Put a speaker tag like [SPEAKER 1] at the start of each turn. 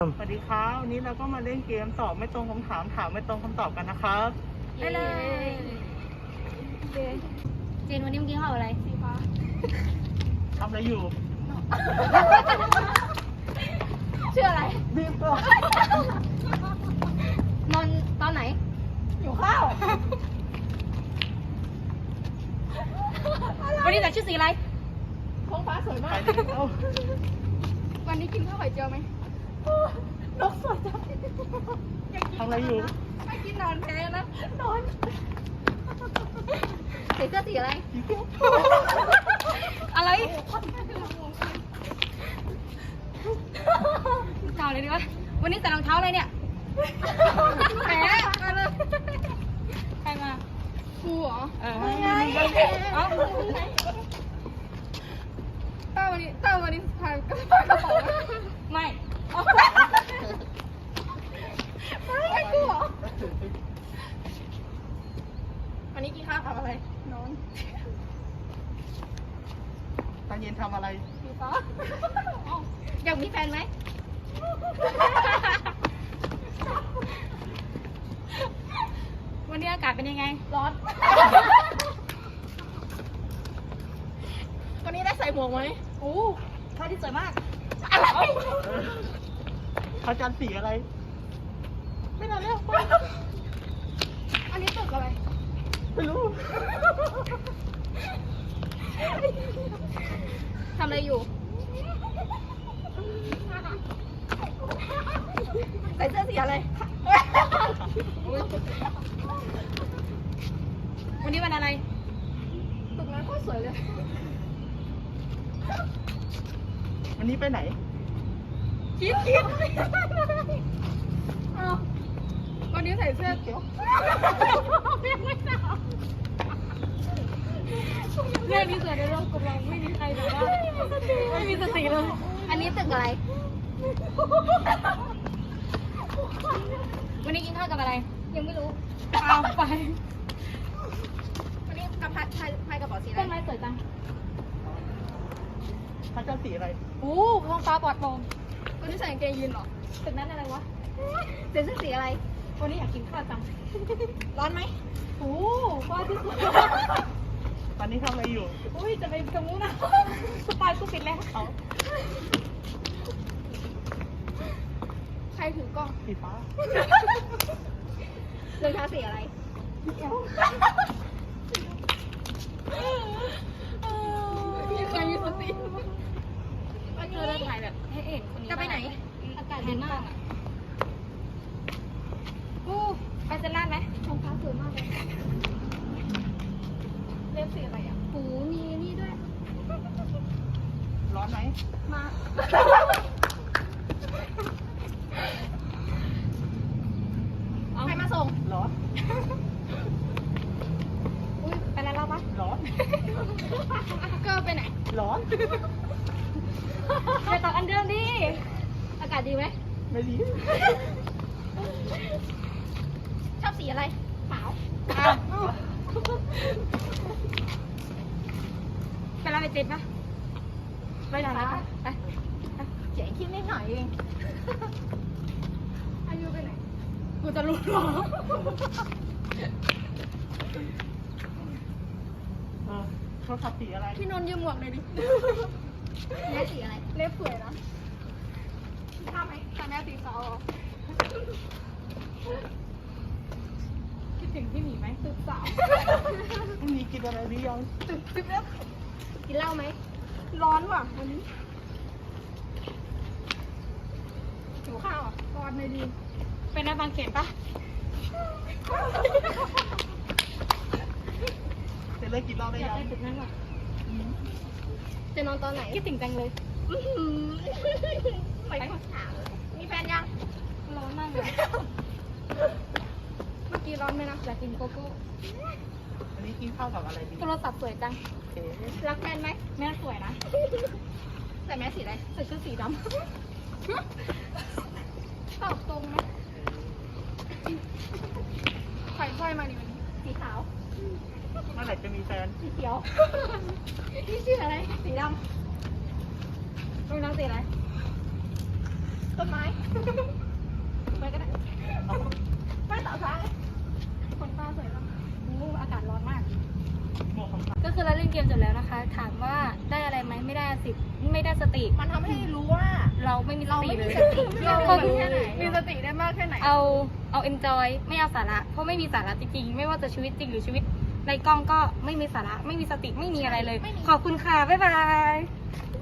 [SPEAKER 1] สวัสดีครับวันนี้เราก็มาเล่นเกมตอบไม่ตรงคำถามถามไม่ตรงคำตอบกันนะครับ
[SPEAKER 2] ได้เลยเจนวันนี้มึงกินข้าวอะไรสีฟ้า
[SPEAKER 1] ทำอะไรอยู่
[SPEAKER 2] ชื่ออะไร
[SPEAKER 1] รีบก่อน
[SPEAKER 2] นอนตอนไหน
[SPEAKER 1] อยู่ข้าว
[SPEAKER 2] วันนี้แต่ชื่อสีอะไร
[SPEAKER 3] ท้องฟ้าสวย
[SPEAKER 1] ไป
[SPEAKER 3] มาก
[SPEAKER 1] เร็ว
[SPEAKER 3] วันนี้กินข้าวไข่เจียวไหมนกสวยจัง
[SPEAKER 1] ทำอะไรอยู่
[SPEAKER 3] ไม่กินนอนแพ้นะ นอน
[SPEAKER 2] ใส่เสื้อสีอะไร
[SPEAKER 1] สีเขียว
[SPEAKER 2] อะไรเก่าเลยดีวะวันนี้ใส่รองเท้าอะไรเนี่ยแหมมาเลยใครมา
[SPEAKER 3] ครูเหรอ
[SPEAKER 2] ไงเอ้า
[SPEAKER 3] ต้าวันนี้พากระเป๋าไหม
[SPEAKER 2] ไม่
[SPEAKER 3] ไม่ครูเหรอ วันนี้กินข้าวทำอะไร นอน
[SPEAKER 1] ตอนเย็นทำอะไร
[SPEAKER 3] สีฟ้า
[SPEAKER 2] อยากมีแฟนไหมวันนี้อากาศเป็นยังไง
[SPEAKER 3] ร้อน วันนี้ได้ใส่หมวกไหม
[SPEAKER 2] โอ้พระอาที่สวยมาก
[SPEAKER 3] อะไร
[SPEAKER 1] พระจันทร์สีอะไร ไม่นานแล้ว
[SPEAKER 3] อันนี้ตึกอะไร
[SPEAKER 1] ไม่รู้
[SPEAKER 2] ทำอะไรอยู่
[SPEAKER 3] ใส่เสื้อสีอะไร
[SPEAKER 2] วันนี้วันอะไร
[SPEAKER 3] ตึกนั้นก็สวยเลย
[SPEAKER 1] วันนี้ไปไหน
[SPEAKER 3] คิดอ้าววันนี้ใส่เสื้อเขียว
[SPEAKER 2] เรื่องนี้เกิดในโลกกำลังไม่มีใครแบบว่าไม่มีสติเลย อันนี้ตึกอะไร วันนี้กินข้าวกับอะไร ยังไม่รู้เอาไป
[SPEAKER 3] วันนี้กับพายกระเป๋าสีอะไร
[SPEAKER 2] ต้นไม้สวยจัง
[SPEAKER 1] พระจันทร์สีอะไร
[SPEAKER 2] โอ้ท้องฟ้าปลอดโปร่ง
[SPEAKER 3] วันนี้ใส่กางเกงยีนเหรอ
[SPEAKER 2] ตึกนั้นอะไรวะเสื้อสีอะไร วันนี้อยากกินข้าวจัง
[SPEAKER 3] ร้อนไหม
[SPEAKER 2] โอ้ฟ้าที่สวย
[SPEAKER 1] ตอนนี้ทำอะไรอยู่
[SPEAKER 2] อุ้ยจะไปตรงนู้นนะสปายกูปิดแล้ว
[SPEAKER 1] เอา
[SPEAKER 3] ใครถือกล้อง
[SPEAKER 1] สีฟ้าร
[SPEAKER 2] องเท้าสีอะไร
[SPEAKER 3] มีใครมีสติ
[SPEAKER 2] วันนี้เราถ่ายแบบให้เห็นคนนี้
[SPEAKER 3] จะไปไหน
[SPEAKER 2] อากาศดีมากอ่ะอู้ไปเซนต์ไหม
[SPEAKER 3] ท้องฟ้าสวยมากเลยเล็บสีอะไรอ่ะ
[SPEAKER 2] หูมีนี่ด้วย
[SPEAKER 1] ร้อนไหม
[SPEAKER 3] มา ใครมาส่ง
[SPEAKER 1] ร้อน
[SPEAKER 2] อุ้ยไปแล้วเราปะ
[SPEAKER 1] ร้อน
[SPEAKER 3] เกอร์ไปไหน
[SPEAKER 1] ร้อน
[SPEAKER 2] ไปต่ออันเดิมดิ อากาศดีไหม
[SPEAKER 1] ไม่ดี
[SPEAKER 3] ชอบสีอะไรขาว
[SPEAKER 2] อ้าวไปแล้วไปติดปะไปหน่อยนะไป
[SPEAKER 3] เจ๋งคิดนิดหน่อยเองอายุไปไหน
[SPEAKER 2] กูจะรู้หรอ
[SPEAKER 1] โทรศัพท์สีอะไร
[SPEAKER 3] พี่นนท์ยืมหมวกหน่อยดิ
[SPEAKER 2] แม่สีอะไร
[SPEAKER 3] เล็บสวยนะทำไหมทำแม่สีขาวเหรอ
[SPEAKER 2] คิดถึงพี่หมีไหม
[SPEAKER 3] ตึกสาว
[SPEAKER 1] พรุ่งนี้กินอะไรหรือยัง
[SPEAKER 3] ตึกสิบเล็บ
[SPEAKER 2] กินเหล้าไหม
[SPEAKER 3] ร้อนว่ะวันนี้หิวข้าวอ่ะร้อนเลยดี
[SPEAKER 2] เป็นในบางเขนปะ
[SPEAKER 1] จะเลิกกินเหล้าได้
[SPEAKER 2] อยาก
[SPEAKER 1] ยัง
[SPEAKER 2] ได้ตึกนั้นว่ะ
[SPEAKER 3] จะนอนตอนไหน
[SPEAKER 2] คิดถึงจังเลย
[SPEAKER 3] ไปคนถามมีแฟนยัง
[SPEAKER 2] ร้อนมากเลย
[SPEAKER 3] เมื่อกี้ร้อนไหมนะ
[SPEAKER 2] อยากกินโกโก้
[SPEAKER 1] วันนี้กินข้าวกับอะไรดี
[SPEAKER 2] โทรศัพท์สวยจัง
[SPEAKER 1] โอเค
[SPEAKER 3] รักแฟนไหม
[SPEAKER 2] แม่สวยนะ
[SPEAKER 3] ใส่แมสสีอะไร
[SPEAKER 2] ใส่ชุดสีด
[SPEAKER 3] ตอบตรงไหมไข่ค่อยมาดิวันนี้
[SPEAKER 2] ำสีขาว
[SPEAKER 1] เมื่อไหร่จะมีแฟน
[SPEAKER 2] สีเขียว
[SPEAKER 3] นี่ชื่ออะไร
[SPEAKER 2] สีดำรองเท้าสีอะไร
[SPEAKER 3] ตต้นไม้ไปก็ได้ไปต่อซ้ายคนฟ้าสวยมาก
[SPEAKER 2] อากาศร้อนมาก
[SPEAKER 1] หมวกของ
[SPEAKER 2] ก็คือเราเล่นเกมจบแล้วนะคะ ถามว่าได้อะไรไหมไม่ได้สิไม่ได้สติ
[SPEAKER 3] มันทำให้รู้ว่า
[SPEAKER 2] เราไม่มีส
[SPEAKER 3] เรา
[SPEAKER 2] ติ
[SPEAKER 3] ไม่
[SPEAKER 2] เล
[SPEAKER 3] มี
[SPEAKER 2] ย
[SPEAKER 3] สติเราแค่ไหนมีสติได้มากแค่ไหน
[SPEAKER 2] เอา enjoy ไม่เอาสาระ เพราะไม่มีสาระจริงๆ ไม่ว่าจะชีวิตจริงหรือชีวิตในกล้องก็ไม่มีสาระ ไม่มีสติ ไม่มีอะไรเลย ขอบคุณค่ะ บ๊ายบาย